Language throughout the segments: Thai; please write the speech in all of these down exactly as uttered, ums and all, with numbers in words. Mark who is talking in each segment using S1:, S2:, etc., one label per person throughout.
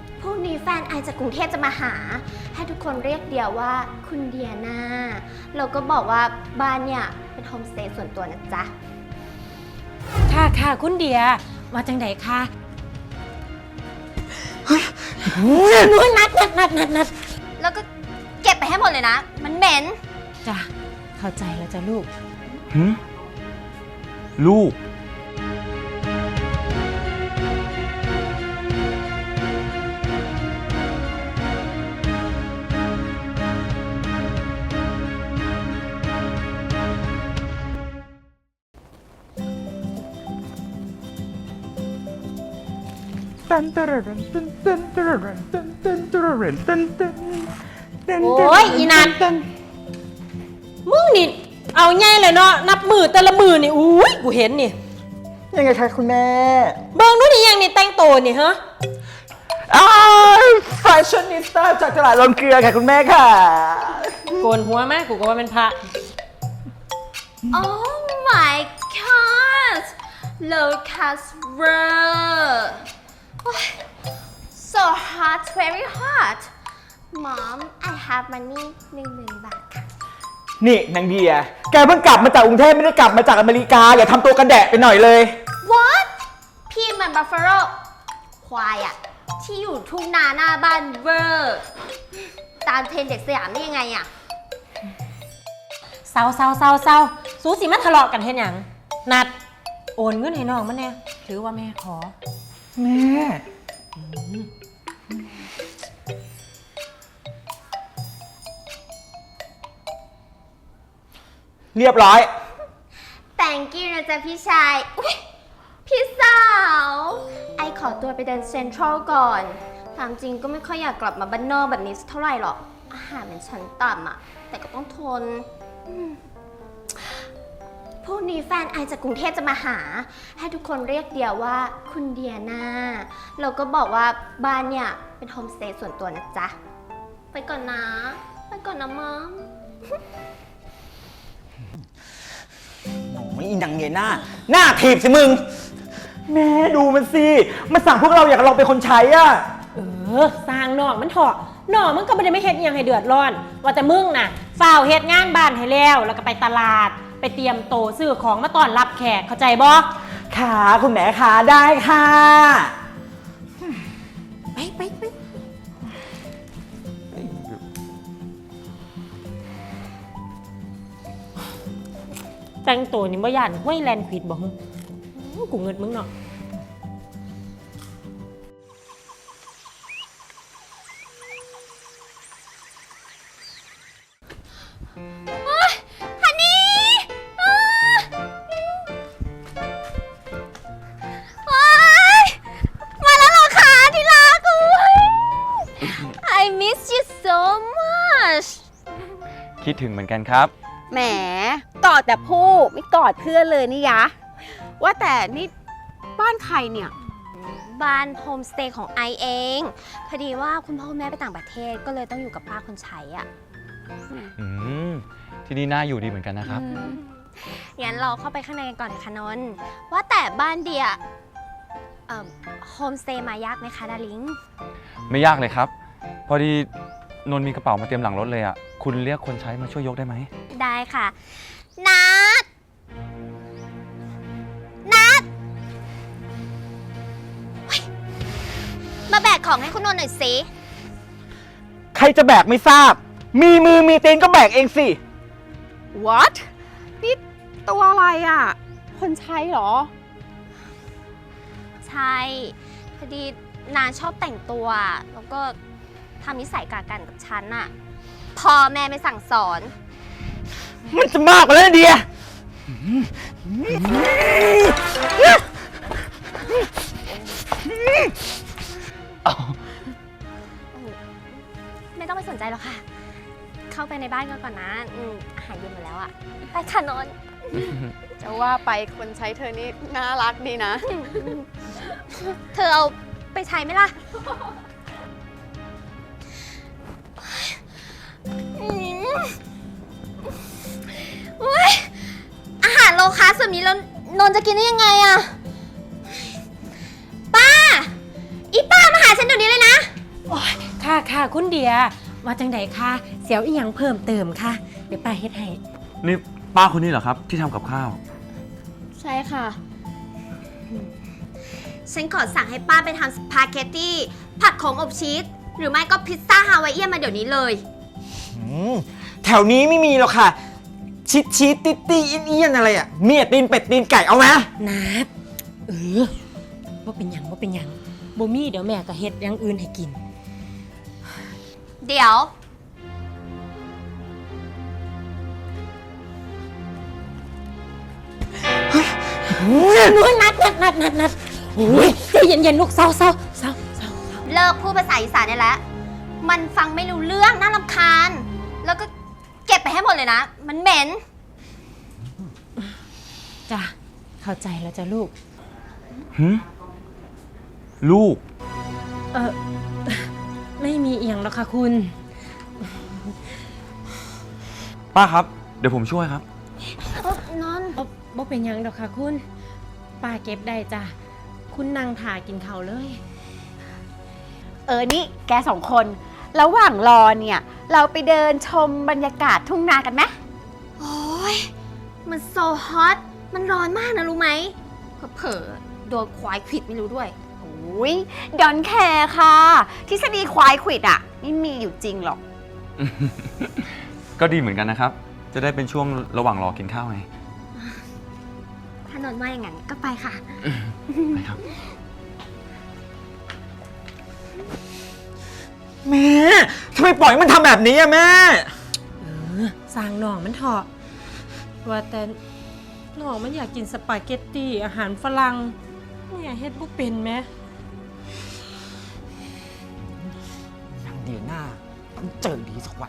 S1: พรุ่งนี้แฟนไอจากกรุงเทพจะมาหาให้ทุกคนเรียกเดียวว่าคุณเดียนาเราก็บอกว่าบ้านเนี่ยเป็นโฮมสเตย์ส่วนตัวนะจ๊ะ
S2: ค่ะค่ะคุณเดียมาจังไดคะนู้นนัดนัดนัดนัดนัด
S1: แล้วก็เก็บไปให้หมดเลยนะมันเหม็น
S2: จ้ะเข้าใจแล้วจ้ะลูก
S3: หืมลูกตันตระรันตันตันตระรันตันตันตระรันตันตันตัน
S2: โอ้ยอีนันมึงนี่เอาไงเลยเนาะนับมือแต่ละมือนี่อุ้ยกูเห็นนี่
S3: ยังไงคะคุณแม่
S2: เบิ่งนู่นนี่ยังนี่แต่งตัวนี่ฮะ
S3: อ้าวแฟชั่นนิสต้าจากตลาดลงเกลือค่ะคุณแม่ค่ะ
S2: โกนหัวไหมกูก็ว่าเป็นพระ
S1: Oh my god look at her so hot very hot Mom I have money หนึ่งหมื่นบาทค่ะ
S3: นี่นางเดียแกเพิ่งกลับมาจากกรุงเทพไม่ได้กลับมาจากอเมริกาอย่าทำตัวกันแดะไปหน่อยเลย
S1: What พี่มันบัฟฟาโลควายอะที่อยู่ทุ่งนาหน้าบ้านเวอร์ตามเทรนเด็กสยามได้ยังไงอะ
S2: เศร้าเศร้าเศร้าเศร้าสูสีมาทะเลาะกันเห็นอย่างนัดโอนเงินให้น้องมันเนี่ยถือว่าแม่ขอ
S3: แม่เรียบร้อย
S1: Thank you นะจ๊ะพี่ชายอุ๊ยพี่สาว ไอขอตัวไปเดินเซ็นทรัลก่อนตามจริงก็ไม่ค่อยอยากกลับมาบ้านนอกแบบนี้เท่าไหร่หรอกอาหารมันชั้นต่ำอะแต่ก็ต้องทนพรุ่งนี้แฟนไอจากกรุงเทพจะมาหาให้ทุกคนเรียกเดียวว่าคุณเดียนาเราก็บอกว่าบ้านเนี่ยเป็นโฮมสเตย์ส่วนตัวนะจ๊ะไปก่อนนะไปก่อนนะมัม
S3: โอ้ยอีนางเยน่าหน้าถีบสิมึงแม่ดูมันสิมันสั่งพวกเราอยากลองเป็นคนใช้อ่ะ
S2: เออสร้างนอกมันเถอะนอกมันก็ไม่ได้ไม่เฮ็ดยังให้เดือดร้อนว่าแต่มึงน่ะฝ้าวเฮ็ดงานบ้านให้แล้วแล้วก็ไปตลาดไปเตรียมโตซื้อของมาต้อนรับแขกเข้าใจบ่
S3: ค่ะคุณแม่ค่ะได้ค่ะ
S2: ไปไปไปแต่งตัวนี่บ่ย่านห้วยแลนด์ควิดบ่ฮึกูเงิดมึงเนาะ
S1: ฮันนี่มาแล้วเหรอคะที่รัก I miss you so much
S3: คิดถึงเหมือนกันครับ
S4: แหมกอดแต่ผู้ไม่กอดเพื่อนเลยนี่ยะว่าแต่นี่บ้านใครเนี่ย
S1: บ้านโฮมสเตย์ของไอเองพอดีว่าคุณพ่อคุณแม่ไปต่างประเทศก็เลยต้องอยู่กับป้าคนใช้อ่ะ
S3: อืมที่นี่น่าอยู่ดีเหมือนกันนะครับ
S1: งั้นเราเข้าไปข้างในกันก่อนค่ะนนท์ว่าแต่บ้านเดียโฮมสเตย์มายากไหมคะดาริง
S3: ไม่ยากเลยครับพอดีนนท์มีกระเป๋ามาเตรียมหลังรถเลยอ่ะคุณเรียกคนใช้มาช่วยยกได้ไหม
S1: ได้ค่ะนัดนัดมาแบกของให้คุณนนท์หน่อยสิ
S3: ใครจะแบกไม่ทราบมีมือมีตีนก็แบกเองสิ
S4: What นี่ตัวอะไรอ่ะคนใช้เหรอ
S1: ใช่พอดีนาชอบแต่งตัวแล้วก็ทำนิสัยกากันกับฉันน่ะพ่อแม่ไม่สั่งสอน
S3: มันจะมากกว่านั้นเดีย
S1: ไม่ต้องไปสนใจหรอกค่ะเข้าไปในบ้านกันก่อนนะอาหารเย็นหมดแล้วอะไปค่ะนนท์
S4: จะว่าไปคนใช้เธอนี่น่ารักดีนะ
S1: เธอเอาไปใช้ไหมล่ะอาหารโลคาร์บแบบนี้แล้วนนท์จะกินได้ยังไงอะป้าอีป้ามาหาฉันเดี๋ยวนี้เลยนะ
S2: ค่ะคุณเดียว่าจังใดคะเสียวอีหยังเพิ่มเติมค่ะเดี๋ยวป้าเฮ็ดให้
S5: นี่ป้าคนนี้เหรอครับที่ทำกับข้าว
S1: ใช่ค่ะ ฉันขอสั่งให้ป้าไปทำสปาเกตตี้ผัดของอบชีสหรือไม่ก็พิซซ่าฮาวายเอียนมาเดี๋ยวนี้เลย
S3: อืมแถวนี้ไม่มีหรอกค่ะ ชิดชิดติตี้เอียนๆอะไรอ่ะเมียตีนเป็ดตีนไก่เอาไหม
S2: นัดเออว่าเป็นหยังว่าเป็นหยังบ่มีเดี๋ยวแม่ก็เฮ็ดอย่างอื่นให้กิน
S1: เดี๋ยว
S2: นุ้ยนัดนัดนัดนัดนัดโอ้ยใจเย็นๆลูกเศร้าเศร้าเศร้าเศร้า
S1: เลิกพูดภาษาอีสานได้แล้ว มันฟังไม่รู้เรื่องน่ารำคาญ แล้วก็เก็บไปให้หมดเลยนะ มันเหม็น
S2: จ้ะเข้าใจแล้วจ้ะลูก
S5: หืมลูก
S2: เออไม่มีเอียงแล้วค่ะคุณ
S5: ป้าครับ เดี๋ยวผมช่วยครับ
S1: นอน
S2: บ่บ่เป็นหยังดอกค่ะคุณป้าเก็บได้จ้ะคุณนั่งถ่ากินเขาวเลย
S4: เออนี่แกสองคน ระหว่างรอเนี่ย เราไปเดินชมบรรยากาศทุ่งนากันไหม
S1: โอ้ยมันโซฮอต มันร้อนมากนะรู้ไหม เผลอๆโดนควายขวิดไม่รู้ด้วย
S4: โอ้ยดอนแคร์ค่ะทฤษฎีควายขวิดอ่ะไม่มีอยู่จริงหรอก
S5: ก็ดีเหมือนกันนะครับ จะได้เป็นช่วงระหว่างรอกินข้าวไง
S1: ถ้านอนว่าอย่างนั้นก็ไปค่ะ
S5: ไปครับ
S3: แม่ทำไมปล่อยมันทำแบบนี้อะแม่
S2: เออสร้างหน่องมันเถอะว่าแต่หน่องมันอยากกินสปาเกตตี้อาหารฝรั่งเนี่ยเฮ็ดบ่เป็นไหม
S3: นางเดียหน้าต้องเจอดีสักวัน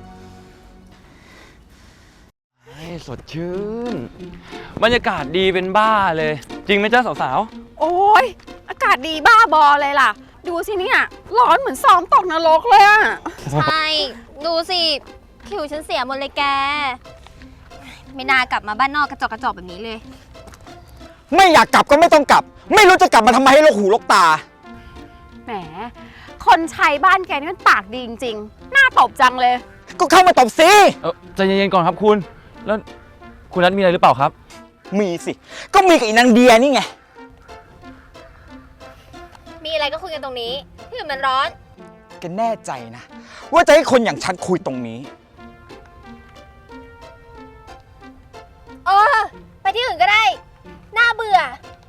S5: ให้สดชื่น บรรยากาศดีเป็นบ้าเลย จริงไหมจ้าสาว
S4: โอ้ยอากาศดีบ้าบอเลยล่ะ ดูสิเนี่ยร้อนเหมือนซ้อมตกนรกเลยอ่ะ
S1: ใช่ ดูสิ ผิวฉันเสียหมดเลยแก ไม่น่ากลับมาบ้านนอกกระจอกกระจอกแบบนี้เลย
S3: ไม่อยากกลับก็ไม่ต้องกลับ ไม่รู้จะกลับมาทำไมให้ลกหูลกตา
S4: แหม คนใช้บ้านแกนี่มันปากดีจริงๆ น่าตบจังเลย
S3: ก็เข้ามาตบสิ
S5: ๆเออใจเย็นๆก่อนครับคุณ แล้วคุณนัทมีอะไรหรือเปล่าครับ
S3: มีสิ ก็มีกับอีนางเดียนี่ไง
S1: มีอะไรก็คุยกันตรงนี้ที่อื่นมันร้อน
S3: แกแน่ใจนะ ว่าจะให้คนอย่างฉันคุยตรงนี้
S1: เออ ไปที่อื่นก็ได้ น่าเบื่อ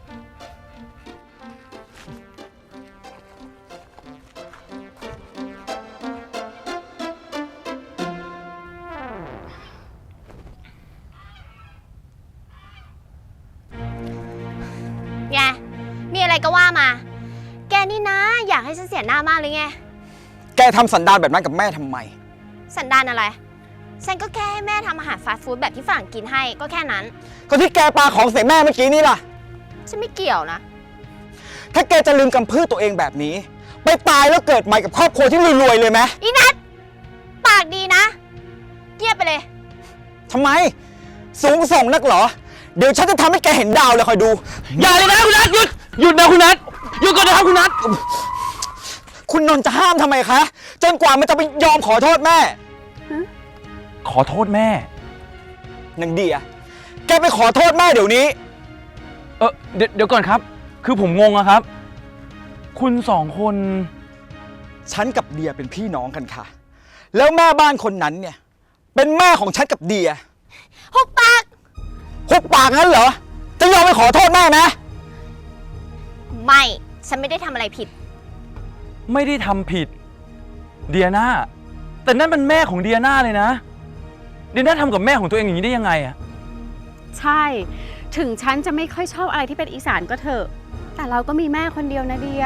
S1: ไง มีอะไรก็ว่ามา แกนี่นะ อยากให้ฉันเสียหน้ามากเลยไง
S3: แกทำสันดานแบบนั้นกับแม่ทำไม
S1: สันดานอะไร ฉันก็แค่ให้แม่ทำอาหารฟาสต์ฟู้ดแบบที่ฝรั่งกินให้ก็แค่นั้น
S3: ก็ที่แกปาของใส่แม่เมื่อกี้นี่ล่ะ
S1: ฉันไม่เกี่ยวนะ
S3: ถ้าแกจะลืมกำพืชตัวเองแบบนี้ ไปตายแล้วเกิดใหม่กับครอบครัวที่รวยๆเลยไหม
S1: อีนัทปากดีนะ เงียบไปเลย
S3: ทำไม สูงส่งนักเหรอ เดี๋ยวฉันจะทำให้แกเห็นดาวเลยคอยดู
S5: อย่าเลยนะคุณนัทหยุด หยุดนะคุณนัทหยุดก่อนนะครับคุณนัท
S3: คุณนนท์จะห้ามทำไมคะ จนกว่ามันจะไปยอมขอโทษแม่
S5: ขอโทษแม่
S3: นางเดีย แกไปขอโทษแม่เดี๋ยวนี้
S5: เออเดี๋ยวเดี๋ยวก่อนครับ คือผมงงอะครับ คุณสองคน
S3: ฉันกับเดียเป็นพี่น้องกันค่ะ แล้วแม่บ้านคนนั้นเนี่ย เป็นแม่ของฉันกับเดีย
S1: หุบปาก
S3: หุบปากงั้นเหรอ จะยอมไปขอโทษแม่ไหม
S1: ไม่ ฉันไม่ได้ทำอะไรผิด
S5: ไม่ได้ทำผิด เดียนาแต่นั่นเป็นแม่ของเดียนาเลยนะ เดียนาทำกับแม่ของตัวเองอย่างนี้ได้ยังไงอะ
S4: ใช่ ถึงฉันจะไม่ค่อยชอบอะไรที่เป็นอีสานก็เถอะ แต่เราก็มีแม่คนเดียวนะเดีย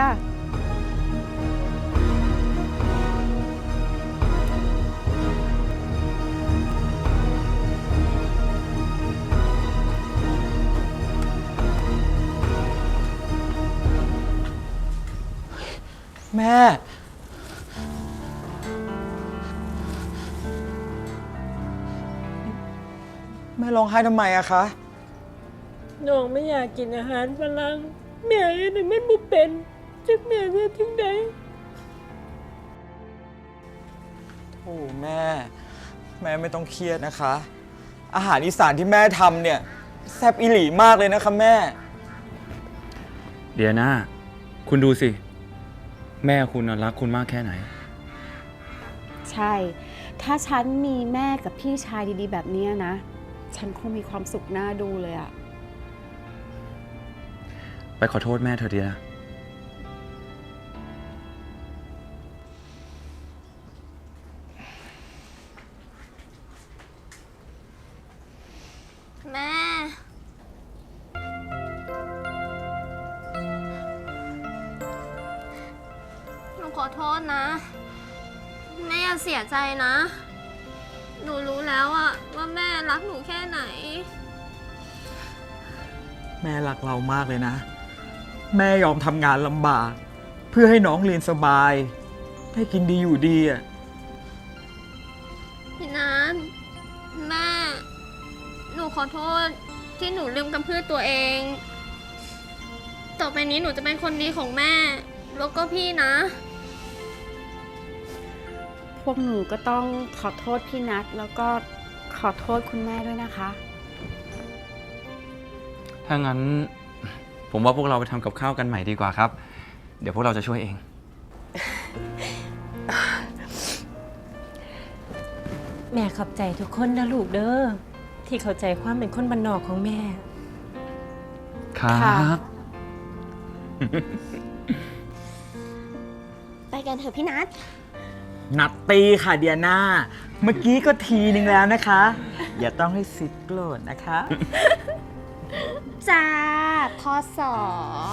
S3: แม่ แม่ร้องไห้ทำไมอะคะ
S2: น้องไม่อยากกินอาหารฝรั่งแม่เฮ็ดให้มันบ่เป็นจักแม่เฮ็ดถึงใด
S3: โอ้แม่ แม่ไม่ต้องเครียดนะคะ อาหารอีสานที่แม่ทำเนี่ยแซ่บอีหลีมากเลยนะคะแม่
S5: เดียนาคุณดูสิ แม่คุณน่ะรักคุณมากแค่ไหน
S4: ใช่ ถ้าฉันมีแม่กับพี่ชายดีๆ แบบเนี้ยนะ ฉันคงมีความสุขน่าดูเลยอะ
S5: ไปขอโทษแม่เธอเดียนะ
S1: แม่ หนูขอโทษนะ แม่อย่าเสียใจนะ หนูรู้แล้วอะว่าแม่รักหนูแค่ไหน
S3: แม่รักเรามากเลยนะ แม่ยอมทำงานลำบาก เพื่อให้น้องเรียนสบาย ได้กินดีอยู่ดีอ่ะ
S1: พี่นัทแม่ หนูขอโทษที่หนูลืมกำพืชตัวเอง ต่อไปนี้หนูจะเป็นคนดีของแม่ แล้วก็พี่นะ
S4: พวกหนูก็ต้องขอโทษพี่นัทแล้วก็ขอโทษคุณแม่ด้วยนะคะ
S5: ถ้างั้น ผมว่าพวกเราไปทำกับข้าวกันใหม่ดีกว่าครับ เดี๋ยวพวกเราจะช่วยเอง
S2: แม่ขอบใจทุกคนนะลูกเด้อที่เข้าใจความเป็นคนบ้านนอกของแม่
S5: ครับ
S1: ไปกันเถอะพี่นัท
S3: นัดตีค่ะเดียนาเมื่อกี้ก็ทีนึงแล้วนะคะ อย่าต้องให้ซิดโกรธนะคะ
S1: จ้าพอสอ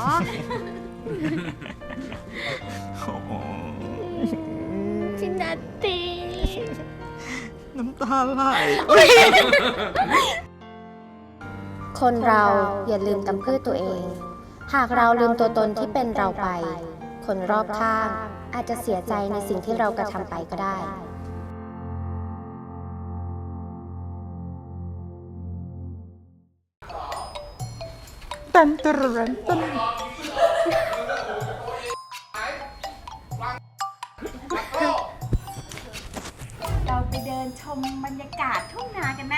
S1: พี่นัทตี
S3: น้ำตาไหล
S1: คนเราอย่าลืมกำพืชตัวเอง หากเราลืมตัวตนที่เป็นเราไป คนรอบข้างอาจจะเสียใจในสิ่งที่เรากระทำไปก็ได้
S3: ตันตะรันตัน
S4: เราไปเดินชมบรรยากาศทุ่งนากันไหม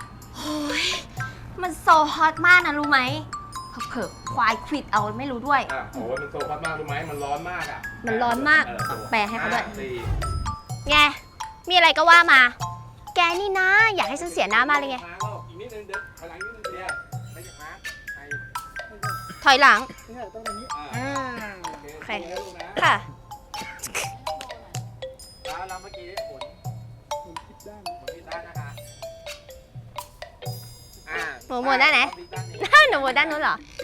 S1: มันโซฮอตมากนะรู้ไหมเผลอๆควายควิดเอาไม่รู้ด้วย
S6: อ่ะโอ้ยมันโซฟัสมากรู้ไหมมันร้อนมากอ่ะ
S1: มันร้อนมาก
S6: เออโซ
S1: แปลให้เขาด้วย
S6: อ่ะสี่
S1: ไง มีอะไรก็ว่ามา แกนี่นะ อยากให้ฉันเสียหน้ามากเลยไง
S6: ค้างแล้วอีกนิดนึงเดี๋ยวถอยหลังนิดนึงเดียวไม่อยากค้างไป
S1: ถอยหลัง
S6: เนี่ยต้องตรงนี้อ่า
S1: อืม
S6: โอ
S1: โอ
S6: เค
S1: เค
S6: โอเคลูกนะ
S1: ค่ะ
S6: แล้วเราเมื่อกี้หมุนหมุนผิดด้านหมุนผิดด้านนะคะอ่า
S1: หมุนหมุนด้านไหน
S6: ผิดด้านนี้
S1: หนูบนด้านนู้นเหรอ
S6: อ